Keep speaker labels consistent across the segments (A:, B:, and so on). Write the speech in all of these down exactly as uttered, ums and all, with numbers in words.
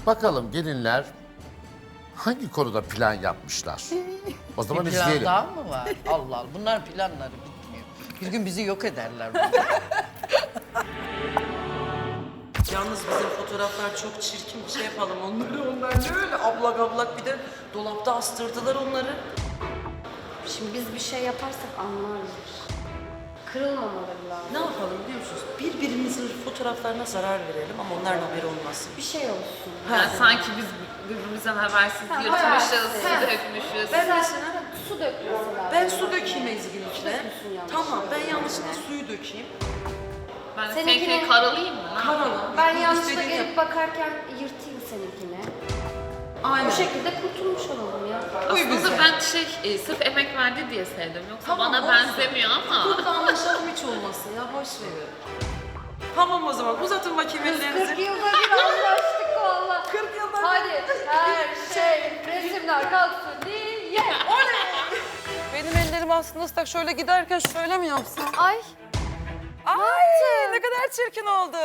A: Bakalım gelinler hangi konuda plan yapmışlar? O zaman
B: Bir plan
A: izleyelim.
B: daha mı var? Allah Allah. Bunlar planları bitmiyor. Bir gün bizi yok ederler.
C: Yalnız bizim fotoğraflar çok çirkin, bir şey yapalım onları. Onlar ne öyle ablak ablak, bir de dolapta astırdılar onları.
D: Şimdi biz bir şey yaparsak anlarlar. Kırılmamaları lazım.
C: Ne yapalım biliyor musunuz? Birbirimizin fotoğraflarına zarar verelim ama onların haberi olmasın.
D: Bir şey olsun.
E: Yani sanki biz birbirimizden habersiz yırtmışız, su
D: Ha.
E: dökmüşüz.
C: Ben
D: Sen
C: mesela,
D: su dök mesela.
C: ben su dökeyim Ezgi'ninkine.
D: Dökmüşsün yanlış.
C: Tamam, ben yanlışlıkla suyu dökeyim.
E: Ben de
D: Seninkini-
E: seninkini karalayayım mı?
C: Karala.
D: Ben
C: Bu
D: yanlışlıkla
C: istediğini
D: gelip
C: yap.
D: bakarken yırtayım seninkini.
C: Aynen.
D: Bu şekilde kurtulmuş olalım ya.
E: Aslında ben şey, e, sırf emek verdi diye sevdim. Yoksa
C: Tamam,
E: bana
C: olsun.
E: benzemiyor ama.
C: Burada anlaşalım hiç olmasın ya, boş verin. Tamam o zaman, uzatın bakayım
D: kırk
C: ellerinizi.
D: yılda bir anlaştık valla.
C: kırk yılda bir.
D: Hadi her şey resimler kalksın diye.
C: Benim ellerim aslında ıslak, şöyle giderken şöyle mi yapsam?
D: Ay.
C: Ay ne kadar çirkin oldu.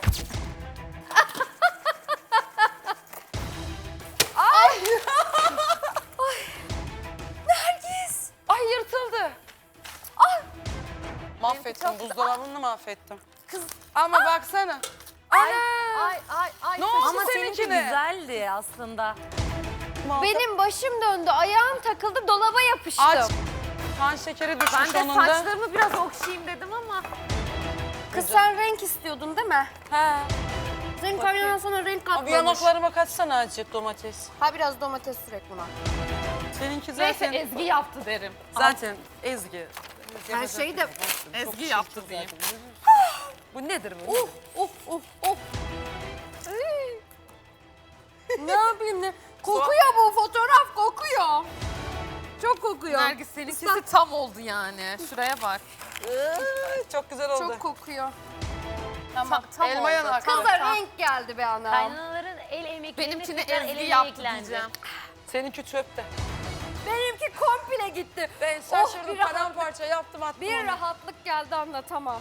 C: Ay. Ay. Nergis. Ay yırtıldı. Ay. Mahvettim, buzdolabını mahvettim. Kız. Ama baksana.
F: Ay ay ay ay.
C: Ne oldu
F: Ama seninki
C: seninkine?
F: güzeldi aslında.
D: Benim başım döndü, ayağım takıldı, dolaba yapıştım.
C: Aç. Kan şekeri düşmüş
F: Ben de
C: onun da.
F: saçlarımı biraz okşayayım dedim ama.
D: Kız sen renk istiyordun değil mi?
C: He.
D: Senin kaynanan sana renk
C: Abi
D: katmamış.
C: yanaklarıma kaçsana azıcık domates.
D: Ha biraz domates sürek buna.
C: Seninki
F: Neyse
C: zaten...
F: Ezgi yaptı derim.
C: Zaten Ezgi.
D: Her şeyi de...
F: Ezgi yaptı diyeyim.
C: Bu nedir bu?
D: Uf uf uf uf. Ay. Ne yapayım ne? Kokuyor bu fotoğraf, kokuyor. Çok kokuyor.
F: Nergis seninkisi tam oldu yani. Şuraya bak.
C: Iıı, Çok güzel oldu.
D: Çok kokuyor.
F: Tamam tam
C: elma
F: oldu.
C: yanak.
F: Tam,
D: Kıza
F: tam.
D: renk geldi be anam.
G: Kaynanaların el emeklerini
F: Benimkini
G: tekrar el
F: Ezgi
G: emeğe
F: yaptı
G: eklendi.
F: diyeceğim.
C: Seninki çöpte.
D: Benimki komple gitti.
C: Ben
D: Oh,
C: şaşırdım,
D: bir rahat-
C: paramparça yaptım attım
D: Bir
C: onu.
D: rahatlık geldi anlatamam.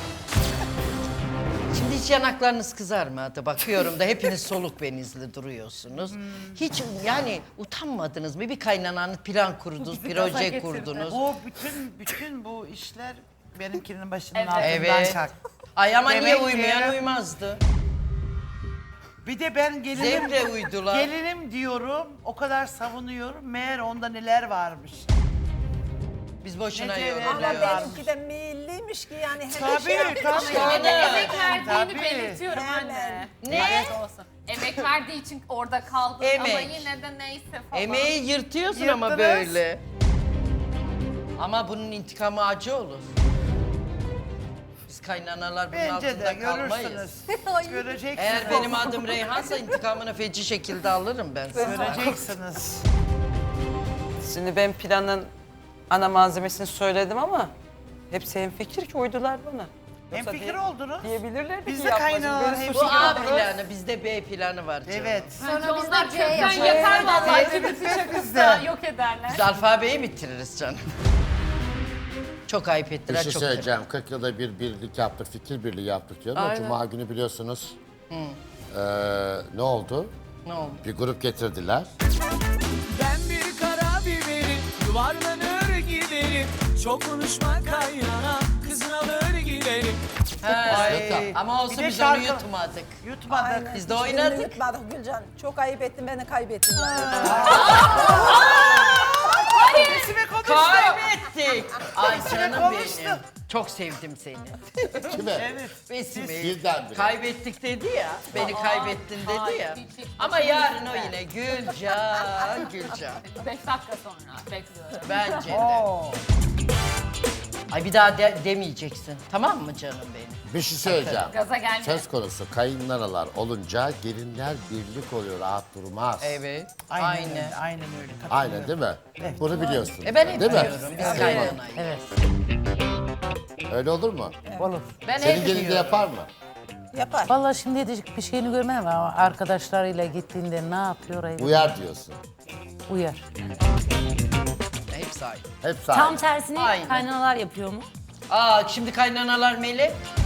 B: Şimdi hiç yanaklarınız kızarmadı. Bakıyorum da hepiniz soluk benizli duruyorsunuz. Hiç yani utanmadınız mı? Bir kaynananız plan kurdunuz, proje kurdunuz.
H: Bu bütün bütün bu işler benimkinin başının
F: Evet.
H: altından
B: Evet.
H: kalktı.
B: Ay ama niye
H: Demek ki-
B: uymayan uymazdı.
H: Bir de ben gelinim,
B: Zevkle uydular.
H: gelinim diyorum, o kadar savunuyorum. Meğer onda neler varmış.
B: Biz boşuna
H: Ne diyor?
B: yoruluyoruz.
H: Ama
I: Benimki de meyilliymiş ki yani hemen
H: Tabii,
I: şey yapmış.
H: tabii.
F: Yine de emek verdiğini
H: Tabii.
F: belirtiyorum
I: Hemen.
F: anne.
B: Ne?
F: Evet olsun. Emek verdiği için orada kaldın ama
B: Emek.
F: yine de neyse falan.
B: Emeği yırtıyorsun ama
H: Yırttınız.
B: böyle. Ama bunun intikamı acı olur. Biz kaynanalar bunun
H: Bence
B: altında
H: de
B: kalmayız.
H: görürsünüz. Göreceksiniz.
B: Eğer benim adım Reyhan'sa intikamını feci şekilde alırım ben sana.
H: Göreceksiniz.
C: Şimdi ben planın ana malzemesini söyledim ama hepsi hemfikir ki uydular bana.
H: Hem
C: Yoksa
H: fikir
C: diye-
H: oldunuz.
C: Diyebilirlerdi
H: Biz
C: ki
H: de
C: yapmacım.
H: kaynanalar
C: Ben
H: hep
B: Bu
C: sushi
B: A
C: yapmadım.
B: planı, bizde B planı var canım.
H: Evet.
D: Sonra biz
F: Onlar
D: de C
F: kökten
D: yapacağız.
F: yeter vallahi.
H: Evet,
F: Bizi
H: evet,
F: çakırsa
H: bizde.
F: yok ederler.
B: Biz alfabeyi bitiririz canım. Çok ayıp
A: Bir
B: ettiler,
A: şey
B: çok
A: söyleyeceğim. kırk yılda bir birlik yaptık, fikir birliği yaptık diyorum. O
B: Aynen.
A: Cuma günü biliyorsunuz. Ee, ne oldu?
B: Ne oldu?
A: Bir grup getirdiler.
J: Ben bir kara biberim, yuvarlanır giderim. Çok konuşma kaynana, kızın alır giderim.
B: He, ama olsun
H: Bir de
B: biz onu
H: şarkı-
B: yutmadık.
H: Yutmadık.
B: Biz de
I: Hiçbirini
B: oynadık.
I: yutmadık Gülcan. Çok ayıp ettin, beni kaybettin.
H: Resime konuştu.
B: Kaybettik. Ay canım
H: konuştu.
B: benim. Çok sevdim seni.
A: Kime?
H: Evet.
B: Besime.
A: Birdenbire.
B: Kaybettik dedi ya. Beni kaybettin dedi ya. Ama yarın o yine Gülcan, Gülcan.
F: Beş dakika sonra bekliyorum.
B: Bence de. Ay bir daha de- demeyeceksin. Tamam mı canım benim?
A: Bir şey söyleyeceğim.
F: Gaza gelme.
A: Söz konusu kayınlanalar olunca gelinler birlik oluyor, rahat durmaz.
B: Evet.
H: Aynen,
B: Aynen.
H: öyle. Aynen öyle.
A: Aynen değil mi? Bunu biliyorsun.
B: E ben hep
A: değil mi?
B: biliyorum. Biz kaynanayız. Evet.
A: Öyle olur mu?
B: Ben
A: Senin
B: hep
A: gelin de
B: diyorum.
A: yapar mı?
I: Yapar.
K: Vallahi şimdi diyecek bir şeyini görmedim ama arkadaşlarıyla gittiğinde ne yapıyor ayıp.
A: Uyar diyorsun.
K: Uyar.
B: Hepsi aynı.
A: Hep
G: Tam
A: sahibi.
G: tersini
B: Aynen.
G: kaynanalar yapıyor mu?
B: Aa şimdi kaynanalar melek.